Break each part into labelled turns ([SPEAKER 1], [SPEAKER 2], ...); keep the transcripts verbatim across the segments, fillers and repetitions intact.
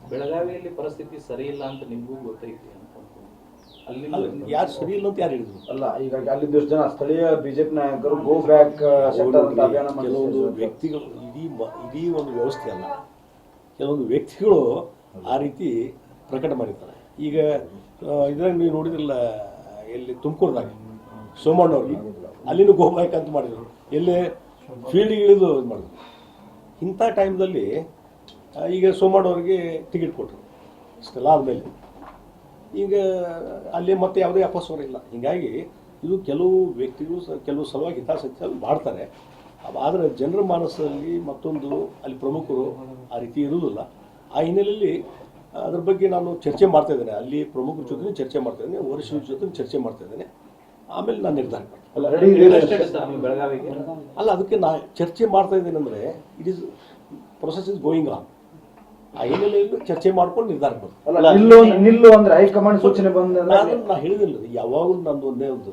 [SPEAKER 1] ಬೆಳಗಾವಿಯಲ್ಲಿ ಪರಿಸ್ಥಿತಿ ಸರಿ ಇಲ್ಲ ಅಂತ ನಿಮಗೂ ಗೊತ್ತೈತಿ ಅಂತ ಅಲ್ಲಿ
[SPEAKER 2] ಯಾರು ಸರಿ ಇಲ್ಲ ಅಂತ ಯಾರು ಹೇಳಿದ್ರು?
[SPEAKER 3] ಅಲ್ಲ, ಈಗ ಅಲ್ಲಿ ಜನ ಸ್ಥಳೀಯ ಬಿಜೆಪಿ ನಾಯಕರು ಗೋ ಬ್ಯಾಕ್ ಅಭಿಯಾನ
[SPEAKER 2] ಕೆಲವೊಂದು ವ್ಯಕ್ತಿಗಳು ಇಡೀ ಇಡೀ ಒಂದು ವ್ಯವಸ್ಥೆ ಅಲ್ಲ, ಕೆಲವೊಂದು ವ್ಯಕ್ತಿಗಳು ಆ ರೀತಿ ಪ್ರಕಟ ಮಾಡಿರ್ತಾರೆ. ಈಗ ಇದ್ರಾಗ ನೀವು ನೋಡಿದ್ರಲ್ಲ, ಎಲ್ಲಿ ತುಮಕೂರ್ದಾಗ ಸೋಮಣ್ಣವ್ರಿಗೆ ಅಲ್ಲಿನೂ ಗೋ ಬ್ಯಾಕ್ ಅಂತ ಮಾಡಿದ್ರು, ಎಲ್ಲಿ ಫೀಲ್ಡಿಗೆ ಇಳಿದು ಇದು ಮಾಡಿದ್ರು. ಇಂಥ ಟೈಮ್ದಲ್ಲಿ ಈಗ ಸೋಮಣ್ಣವ್ರಿಗೆ ಟಿಕೆಟ್ ಕೊಟ್ಟರು ಇಷ್ಟೆಲ್ಲ ಆದಮೇಲೆ ಈಗ ಅಲ್ಲಿ ಮತ್ತೆ ಯಾವುದೇ ಅಪಸ್ವರ ಇಲ್ಲ. ಹೀಗಾಗಿ ಇದು ಕೆಲವು ವ್ಯಕ್ತಿಗಳು ಕೆಲವು ಸಲುವಾಗಿ ಹಿತಾಸಕ್ತಿ ಮಾಡ್ತಾರೆ. ಆದರೆ ಜನರ ಮಾನಸದಲ್ಲಿ ಮತ್ತೊಂದು ಅಲ್ಲಿ ಪ್ರಮುಖರು ಆ ರೀತಿ ಇರುವುದಿಲ್ಲ. ಆ ಹಿನ್ನೆಲೆಯಲ್ಲಿ ಅದ್ರ ಬಗ್ಗೆ ನಾನು ಚರ್ಚೆ ಮಾಡ್ತಾ ಇದ್ದೇನೆ, ಅಲ್ಲಿ ಪ್ರಮುಖರ ಜೊತೆ ಚರ್ಚೆ ಮಾಡ್ತಾ ಇದ್ದೇನೆ, ವರಿಷ್ಠರ ಜೊತೆ ಚರ್ಚೆ ಮಾಡ್ತಾ ಇದ್ದೇನೆ. ಆಮೇಲೆ ನಾನು ನಿರ್ಧಾರ ಮಾಡ್ತೀನಿ.
[SPEAKER 1] ಬೆಳಗಾವಿಗೆ
[SPEAKER 2] ಅಲ್ಲ, ಅದಕ್ಕೆ ನಾ ಚರ್ಚೆ ಮಾಡ್ತಾ ಇದ್ದೇನೆ ಅಂದರೆ it is process is going on. ಆ ಹಿನ್ನೆಲೆಯಲ್ಲಿ ಚರ್ಚೆ ಮಾಡ್ಕೊಂಡು ನಿರ್ಧಾರ ಮಾಡ್ತೀನಿ.
[SPEAKER 3] ನಿಲ್ಲು ಅಂದ್ರೆ ಹೈಕಮಾಂಡ್ ಸೂಚನೆ ಬಂದ
[SPEAKER 2] ನಾನು ನಾ ಹೇಳಿದಿಲ್ಲ, ಯಾವಾಗಲೂ ನಂದು ಒಂದೇ ಒಂದು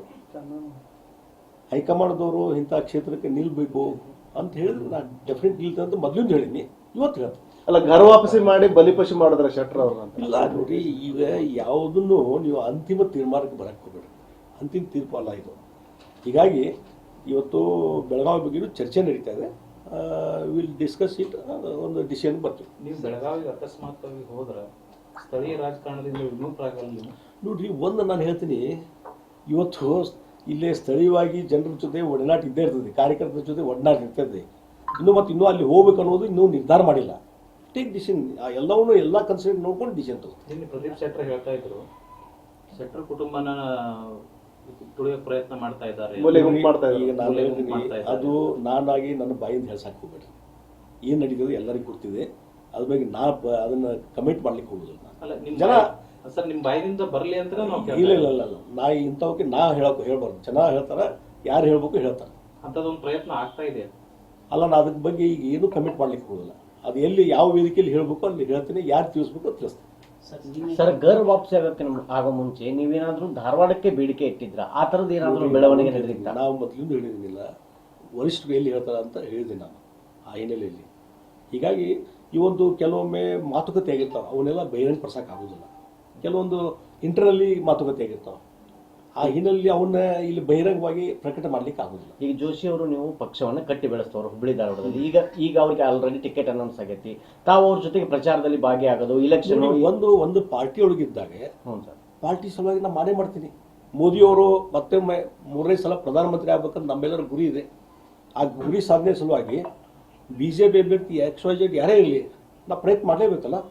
[SPEAKER 2] ಹೈಕಮಾಂಡ್ದವರು ಇಂಥ ಕ್ಷೇತ್ರಕ್ಕೆ ನಿಲ್ಬೇಕು ಅಂತ ಹೇಳಿದ್ರೆ ನಾನು ಡೆಫಿನೆಟ್ ನಿಲ್ತೇನೆ ಅಂತ ಮೊದಲಿಂದ ಹೇಳಿನಿ, ಇವತ್ತು ಹೇಳ್ತೀನಿ.
[SPEAKER 4] ಅಲ್ಲ, ಘರ ವಾಪಸಿ ಮಾಡಿ ಬಲಿಪಶು ಮಾಡಿದ್ರೆ ಶೆಟ್ರ್ ಅವ್ರ
[SPEAKER 2] ಇಲ್ಲ ನೋಡಿ, ಈಗ ಯಾವುದನ್ನು ನೀವು ಅಂತಿಮ ತೀರ್ಮಾನಕ್ಕೆ ಬರಕ್ಕೆ ಹೋಗಬೇಡಿ, ಅಂತಿಮ ತೀರ್ಪು ಅಲ್ಲ ಇದು. ಹೀಗಾಗಿ ಇವತ್ತು ಬೆಳಗಾವಿ ಬಗ್ಗೆಯೂ ಚರ್ಚೆ ನಡೀತಾ ಇದೆ. ವಿಲ್ ಡಿಸ್ಕಸ್ ಇಟ್, ಒಂದು ಡಿಸಿಷನ್ ಬರ್ತೀವಿ.
[SPEAKER 1] ನೀವು ಬೆಳಗಾವಿಗೆ ಅಕಸ್ಮಾತ್ವಾಗಿ ಹೋದ್ರೆ ಸ್ಥಳೀಯ ರಾಜಕಾರಣದಿಂದ ವಿಮುಖರಾಗಲ್ಲ ನೀವು?
[SPEAKER 2] ನೋಡ್ರಿ, ಒಂದು ನಾನು ಹೇಳ್ತೀನಿ, ಇವತ್ತು ಇಲ್ಲೇ ಸ್ಥಳೀಯವಾಗಿ ಜನರ ಜೊತೆ ಒಡನಾಟ ಇದ್ದೇ ಇರ್ತದೆ, ಕಾರ್ಯಕರ್ತರ ಜೊತೆ ಒಡನಾಟ ಇರ್ತದೆ. ಇನ್ನು ಮತ್ತು ಇನ್ನೂ ಅಲ್ಲಿ ಹೋಗ್ಬೇಕು ಅನ್ನೋದು ಇನ್ನೂ ನಿರ್ಧಾರ ಮಾಡಿಲ್ಲ. ಟೇಕ್ ಡಿಸಿಷನ್, ಎಲ್ಲವನ್ನೂ ಎಲ್ಲ ಕನ್ಸಿಡರ್ ನೋಡ್ಕೊಂಡು ಡಿಸಿಷನ್ ತಗೋ.
[SPEAKER 1] ನಿನ್ನೆ ಪ್ರದೀಪ್ ಶೆಟ್ಟರ್ ಹೇಳ್ತಾ ಇದ್ರು, ಶೆಟ್ಟರ್ ಕುಟುಂಬನ ತುಳಿಯೋಕೆ ಪ್ರಯತ್ನ ಮಾಡ್ತಾ ಇದ್ದಾರೆ.
[SPEAKER 2] ಈಗ ನಾನು ಹೇಳ್ತೀನಿ, ಅದು ನಾನಾಗಿ ನನ್ನ ಬಾಯಿಂದ ಹೇಳ್ಸಕ್ಕೆ ಹೋಗ್ಬೇಡಿ. ಏನು ನಡೀತದೆ ಎಲ್ಲರಿಗೂ ಗೊತ್ತಿದೆ, ಅದ್ರ ಬಗ್ಗೆ ನಾ ಅದನ್ನ ಕಮೆಂಟ್ ಮಾಡ್ಲಿಕ್ಕೆ ಹೋಗುದಿಲ್ಲ. ಜನ
[SPEAKER 1] ಸರ್ ನಿಮ್ಮ ಬಾಯಿಂದ ಬರಲಿ ಅಂತ
[SPEAKER 2] ಇಲ್ಲ ಇಲ್ಲ ಇಲ್ಲ ನಾ ಇಂಥವಕ್ಕೆ ನಾ ಹೇಳಕ್ ಹೇಳ್ಬಾರ್ದು. ಚೆನ್ನಾಗಿ ಹೇಳ್ತಾರೆ, ಯಾರು ಹೇಳ್ಬೇಕು ಹೇಳ್ತಾರೆ.
[SPEAKER 1] ಅಂಥದ್ದೊಂದು ಪ್ರಯತ್ನ ಆಗ್ತಾ ಇದೆ.
[SPEAKER 2] ಅಲ್ಲ, ನಾ ಅದ್ರ ಬಗ್ಗೆ ಈಗ ಏನು ಕಮೆಂಟ್ ಮಾಡ್ಲಿಕ್ಕೆ ಹೋಗೋದಿಲ್ಲ. ಅದು ಎಲ್ಲಿ ಯಾವ ವೇದಿಕೆಯಲ್ಲಿ ಹೇಳ್ಬೇಕು ಅಲ್ಲಿ ಹೇಳ್ತೀನಿ, ಯಾರು ತಿಳಿಸ್ಬೇಕು ಅಂತ ತಿಳಿಸ್ತೀನಿ.
[SPEAKER 5] ಸರ್, ಗರ್ ವಾಪಸಿ ಆಗಕ್ಕೆ ಆಗೋ ಮುಂಚೆ ನೀವೇನಾದ್ರೂ ಧಾರವಾಡಕ್ಕೆ ಬೇಡಿಕೆ ಇಟ್ಟಿದ್ರ? ಆ ತರದ್ ಏನಾದ್ರು ಬೆಳವಣಿಗೆ ನಡೆದಿತ್ತ?
[SPEAKER 2] ನಾವು ಮೊದಲಿಂದ ಹೇಳಿದಿಲ್ಲ, ವರಿಷ್ಠರು ಎಲ್ಲಿ ಹೇಳ್ತಾರ ಅಂತ ಹೇಳಿದೆ ನಾನು ಆ ಹಿನ್ನೆಲೆಯಲ್ಲಿ. ಹೀಗಾಗಿ ಈ ಒಂದು ಕೆಲವೊಮ್ಮೆ ಮಾತುಕತೆ ಆಗಿರ್ತಾವೆ, ಅವನ್ನೆಲ್ಲ ಬಹಿರಂಗ ಪಡಿಸಕ್ಕೆ ಆಗೋದಿಲ್ಲ. ಕೆಲವೊಂದು ಇಂಟರ್ನಲ್ಲಿ ಮಾತುಕತೆ ಆಗಿರ್ತಾವೆ, ಆ ಹಿನ್ನೆಲೆಯಲ್ಲಿ ಅವನ್ನ ಇಲ್ಲಿ ಬಹಿರಂಗವಾಗಿ ಪ್ರಕಟ ಮಾಡ್ಲಿಕ್ಕೆ ಆಗೋದಿಲ್ಲ.
[SPEAKER 5] ಈಗ ಜೋಶಿ ಅವರು ನೀವು ಪಕ್ಷವನ್ನ ಕಟ್ಟಿ ಬೆಳೆಸ್ತವ್ರು ಹುಬ್ಬಳ್ಳಿ ಧಾರವಾಡದಲ್ಲಿ. ಈಗ ಈಗ ಅವ್ರಿಗೆ ಆಲ್ರೆಡಿ ಟಿಕೆಟ್ ಅನೌನ್ಸ್ ಆಗೈತಿ, ತಾವು ಅವ್ರ ಜೊತೆಗೆ ಪ್ರಚಾರದಲ್ಲಿ ಭಾಗಿಯಾಗೋದು, ಇಲೆಕ್ಷನ್
[SPEAKER 2] ಒಂದು ಒಂದು ಪಾರ್ಟಿ ಒಳಗಿದ್ದಾಗ
[SPEAKER 5] ಹ್ಞೂ ಸರ್,
[SPEAKER 2] ಪಾರ್ಟಿ ಸಲುವಾಗಿ ನಾನು ಮಾಡೇ ಮಾಡ್ತೀನಿ. ಮೋದಿಯವರು ಮತ್ತೊಮ್ಮೆ ಮೂರನೇ ಸಲ ಪ್ರಧಾನಮಂತ್ರಿ ಆಗ್ಬೇಕಂತ ನಮ್ಮೆಲ್ಲರ ಗುರಿ ಇದೆ. ಆ ಗುರಿ ಸಾಧನೆ ಸಲುವಾಗಿ ಬಿ ಜೆ ಪಿ ಅಭ್ಯರ್ಥಿ ಎಕ್ಸ್ ವೈ ಜೆಡ್ ಯಾರೇ ಇರಲಿ, ನಾ ಪ್ರಯತ್ನ ಮಾಡಲೇಬೇಕಲ್ಲ.